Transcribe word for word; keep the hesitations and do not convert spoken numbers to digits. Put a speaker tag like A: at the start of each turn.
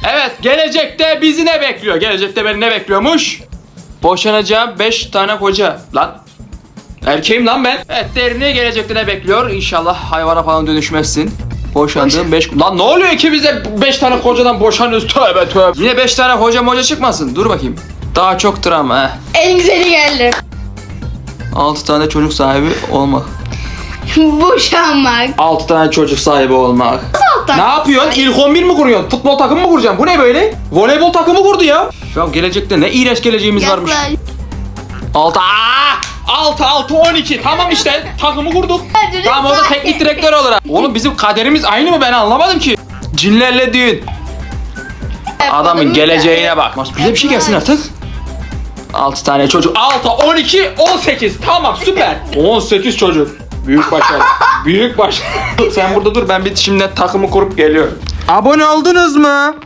A: Evet, gelecekte bizi ne bekliyor? Gelecekte beni ne bekliyormuş? Boşanacağım beş tane koca. Lan erkeğim lan ben. Evet, Derin'i gelecekte ne bekliyor? İnşallah hayvana falan dönüşmezsin. Boşandığım beş... Lan ne oluyor ki bize beş tane kocadan boşanıyoruz? Tövbe tövbe. Yine beş tane koca moca çıkmasın. Dur bakayım. Daha çok travma.
B: En güzeli geldi.
A: altı tane çocuk sahibi olmak.
B: Boşanmak.
A: altı tane çocuk sahibi olmak.
B: Alttan.
A: Ne yapıyorsun? İlk on bir mi kuruyorsun? Futbol takımı mı kuracaksın? Bu ne böyle? Voleybol takımı kurdu ya. Ya gelecekte ne iğrenç geleceğimiz varmış.
B: Yaklaş.
A: altı altı altı on iki. Tamam işte takımı kurduk.
B: Hadi
A: Tamam, o da
B: lütfen.
A: teknik direktör olarak. Oğlum bizim kaderimiz aynı mı, ben anlamadım ki. Cinlerle düğün. Adamın geleceğine bak. Bize bir şey gelsin artık. altı tane çocuk. altı, on iki, on sekiz. Tamam, süper. on sekiz çocuk. Büyük başarı. Büyük başarı. Sen burada dur, ben bir şimdi takımı kurup geliyorum. Abone oldunuz mu?